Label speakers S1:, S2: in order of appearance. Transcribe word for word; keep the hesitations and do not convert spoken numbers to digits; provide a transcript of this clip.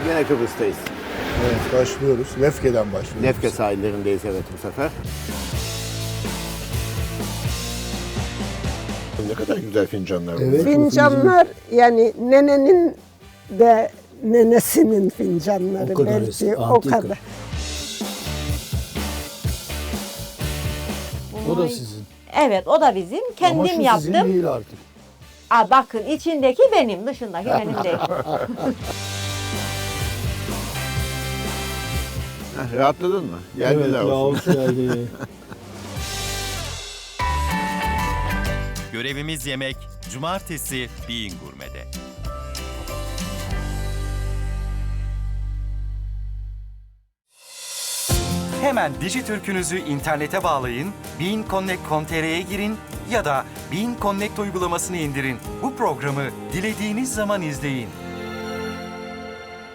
S1: Yine Kıbrıs'tayız.
S2: Evet, başlıyoruz. Lefke'den başlıyoruz.
S1: Lefke sahillerindeyiz evet bu sefer. Ne kadar güzel fincanlar bunlar.
S2: Evet.
S3: Fincanlar yani nenenin de nenesinin fincanları
S4: O kadar
S3: belki
S4: eski,
S3: o
S4: antika.
S3: kadar.
S4: O da sizin.
S5: Evet, o da bizim.
S4: Ama
S5: Kendim
S4: şu
S5: yaptım.
S4: sizin değil artık.
S5: Aa, bakın içindeki benim, dışındaki benim değil.
S1: Heh, rahatladın mı?
S4: Evet,
S1: Geldiler olsun.
S4: Yavuz geldi.
S6: Görevimiz yemek. Cumartesi Bean Gurme'de.
S7: Hemen Dijitürk'ünüzü internete bağlayın, bean connect nokta com nokta tr'ye girin ya da Bean Connect uygulamasını indirin. Bu programı dilediğiniz zaman izleyin.